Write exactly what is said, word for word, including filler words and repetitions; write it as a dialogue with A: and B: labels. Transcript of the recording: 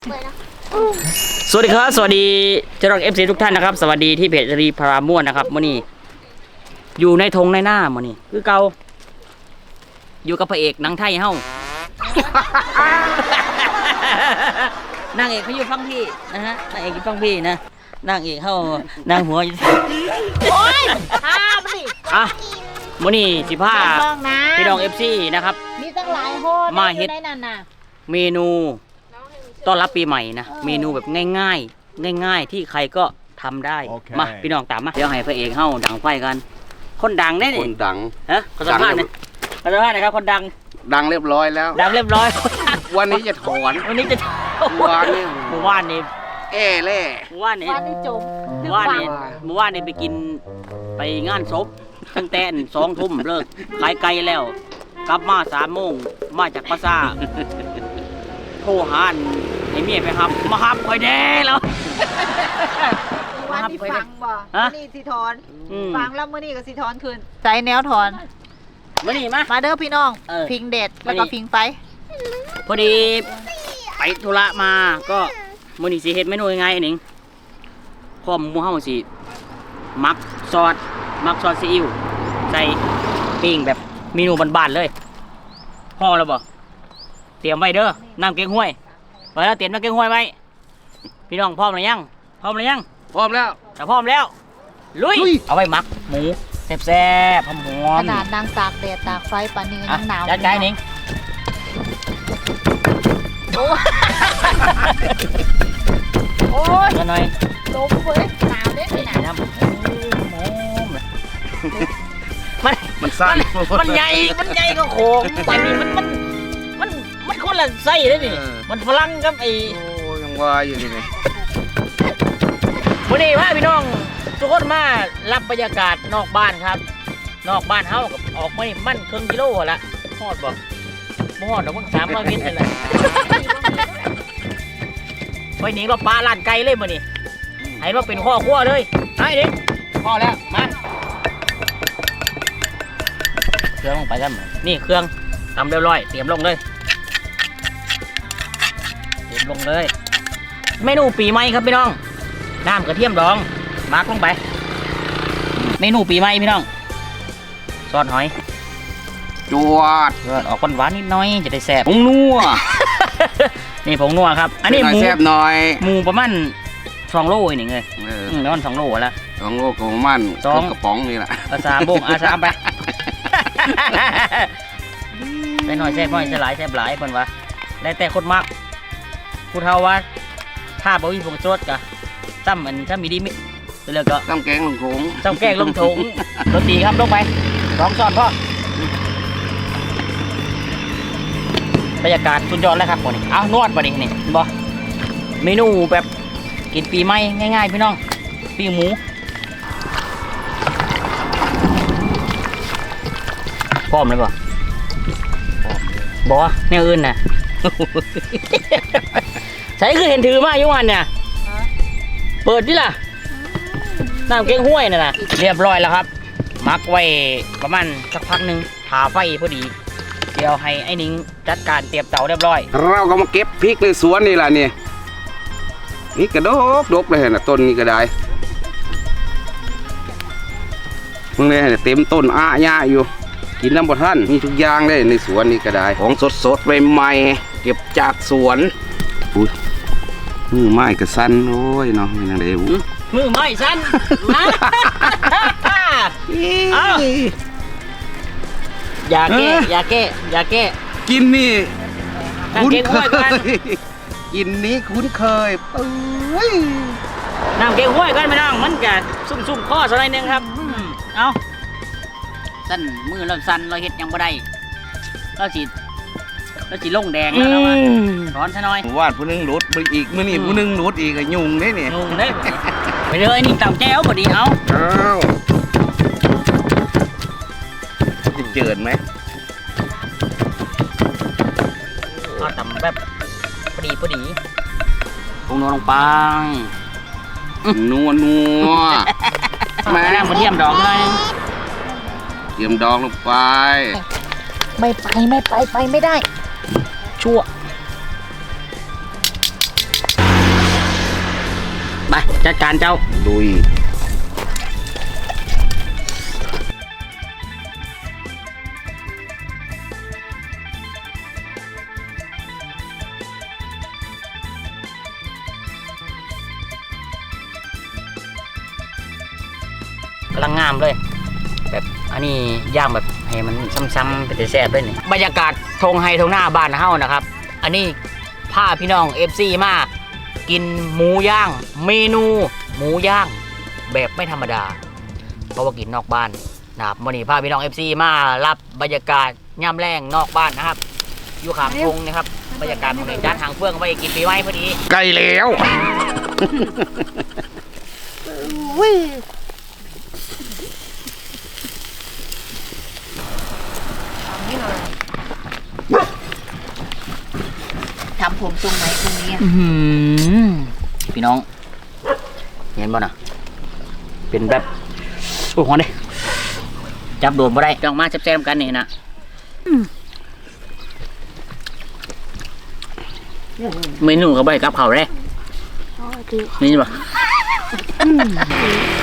A: สวัสดีครับสวัสดีเจ้าหน้าที่เอฟซีทุกท่านนะครับสวัสดีที่เพจรีพาราม่วนนะครับมื่อนี้อยู่ในทงในหน้ามื่อนี้คือเก่าอยู่กับพระเอกนางไทยเฮ้านางเอกเขาอยู่ฟังพี่นะฮะนางเอกอยู่ฟังพี่นะนางเอกเฮ้านางหัวอยู่โอ้ยพาไปอ่ะมื่อนี้สิพาพี่น้องเอฟซีนะครับ
B: มีตั้งหลายโฮ
A: มาเฮ็ดเมนูต้อนรับปีใหม่นะเมนูแบบง่ายๆง่ายๆที่ใครก็ทำได้ okay. มาพี่น้องตามมาเดี๋ยวให้พระเอกเฮ้าดังไฟกันคนดังได้ดิ
C: คนดัง
A: ฮะคนสัมภาษณ์เนี่ยคนสัมภาษณ์นะครับคนดัง
C: ดังเรียบร้อยแล้ว
A: ดังเรียบร้อย
C: วันนี้จะถอน
A: วันนี้จะ
C: เมื่อวานนี้
A: เมื่อวานนี้
C: เอ่เล่
A: เมื่อวานนี้
B: วันนี้จบ
A: เมื่อวานนี้เมื่อวานนี้ไปกินไปงานศพตั้งแต่สองทุ่มเลิกขายไก่แล้วกลับมาสามโมงมาจากภาษาโทรหาไอ้เมียไปครับมาฮับคอยแดงแล้ว
B: วันนี้ฟังบ่วันนี้สิถอนฟังแล้วมื่อนี้ก็สิถอนคืนใจแนวถอน
A: มื่อนี้มา
B: มาเด้อพี่น้องพิงเด็ดแล้วก็พิงไฟ
A: พอดีไปธุระมาก็มื่อนี้สิเฮ็ดเมนูยังไงหนิงพร้อมหมูเฮาสิมักซอสมักซอสซีอิ๊วใส่ปิ้งแบบเมนูบ้านๆเลยพอแล้วบ่เตรียมไว้เด้อน้ำเก๊กฮวยไว้แล้วเตรียมน้ำเก๊กฮวยไว้พี่น้องพร้อมหรือยังพร้อมหรือยัง
C: พร้อมแล้ว
A: ถ้าพร้อมแล้วลุยเอาไว้หมักหมูแซ่บๆหอม
B: ขนาดนางตากแดดตากไฟปานนี้ยังหนาว
A: จัดการนิ่งโอ้ยหน่อย
B: ลมเว้ยหนาวเด้ไม่หนาว
A: มัน
C: มันสั้น
A: มันใหญ่มันใหญ่ก็โค้งแต่นี่มันมันมันมันคนละไส้เลยนี่มันฝรั่งกับไอ้
C: โอ้ยังว่าอยู่นี่ไง
A: วันนี้ว่าพี่น้องทุกคนมารับบรรยากาศนอกบ้านครับนอกบ้านเฮากับออกมานี่มันครึ่งกิโลละฮอดบ่บ่ฮอดดอกมันสามร้อยเมตรนั่นแหละไปหนีเราปลาล้านไก่เลยมื้อนี้ให้เราเป็นข้อคั่วเลยให้ดิพอแล้วมาเครื่องลงไปกันนี่เครื่องทำเรียบร้อยเตรียมลงเลยเตรียมลงเลยเมนูปีใหม่ครับพี่น้องน้ำกระเทียมดองมาร์กลงไปเมนูปีใหม่พี่น้องซอสหอย
C: จวด
A: ออกหวานๆนิดน้อยจะได้แซ่บ
C: ผงนัว
A: นี่ผงนัวครับอันนี้หมู
C: แซ่บหน่อย
A: หมูประมาณสองโลอีกหนึ่งเลยแล้วมันสองโลแล้ว
C: สองโลของมันสองกระป๋องนี่แหละ
A: ภาษาโบงอาสามไปใส่หน่อยแซ่บหน่อยใส่หลายแซ่บหลายคนวะได้แต่คนมากพูดเท่าว่าถ้าบ่มีผงชูรสกะตั้มมันถ้ามีดีมิแล้วก็
C: ตั้มแกงลงถุง
A: ตั้มแกงลงถุงรสดีครับลงไปสองช้อนพ่อบรรยากาศสุดยอดแล้วครับคนนี้เอานวดมาดินี่บอเมนูแบบกินปีใหม่ง่ายๆพี่น้องปิ้งหมูพร้อมเลยบ่บอแนวอื่นน่ะใช่คือเห็นถือมาอยู่วันเนี่ยเปิดดิล่ะน้ำเก๊กห้วยน่ะนะเรียบร้อยแล้วครับมักไว้ประมาณสักพักหนึ่งผ่าไฟพอดีเดี๋ยวให้ไอ้นิ้งจัดการเตรียมเตาเรียบร้อย
C: เราก็มาเก็บพริกในสวนนี่แหละนี่นี่กระดกดกเลยนะต้นนี้ก็ได้มึงเลยเต็มต้นอ้าหญ้าอยู่กินน้ำบดท่านมีทุกอย่างเลยในสวนนี่ก็ได้ของสดสดใหม่ๆเก็บจากสวนอุ้ยมือไม้กระสันโอ้ยเนาะนี่นั่นเอง
A: มือไม้สั้นมาเอาอย่าแก้อย่าแก้อย่าแก้
C: กินนี่คุ้นเคยกินนี้คุ้นเคยปุ้ย
A: น้ำเก๊กห้วยกันไม่ต้องมันจะซุ่มๆข้อสักหน่อยนึงครับเอาสั้นมือเราสั้นเราเห็ดยังบ่ได้เราจีเราจีลงแดงแล้วนะร้อนซะหน่อย
C: ว่านผู้นึงรูดไปอีกมื้อนี้ผู้นึงรูดอีกยุ่งได้เนี่ย
A: ยุ่งได้ไปเลยนี่ตำแจ้วพอดีเอา
C: เอาจะเจิดไหม
A: เอาตำแบบพอดีพอดีปรุงนัวลงไป
C: นัวนัว
A: แม่มาเทียมดองเลย
C: เทียมดองลงไป
B: ไม่ไปไม่ไปไปไม่ได้
A: ชั่วไปจัดการเจ้า
C: ลุย
A: กำลังงามเลย แบบอันนี้ย่างแบบให้มันซ้ำๆเป็นแซ่บด้วยนี่บรรยากาศทงไฮทงหน้าบ้านเฮานะครับ อันนี้พาพี่น้อง เอฟ ซี มากินหมูย่าง เมนูหมูย่างแบบไม่ธรรมดา เพราะว่ากินนอกบ้านนะครับวันนี้พาพี่น้อง เอฟ ซี มารับบรรยากาศย่ำแรงนอกบ้านนะครับ อยู่ข้างทงนะครับบรรยากาศของในด้านทางเฟื่องไว้กินปีใหม่พอดี
C: ใกล้แล้ว
B: ทำผมทรงไหนตรงนี้
A: อื้อหือพี่น้อง เห็นบ่น่ะ เป็นแบบโอ้โหเด้จับโดนบ่ได้ต้องมาแซ่บๆกันนี่นะเมนูเขาใบกับเขาวเลยนี่บ่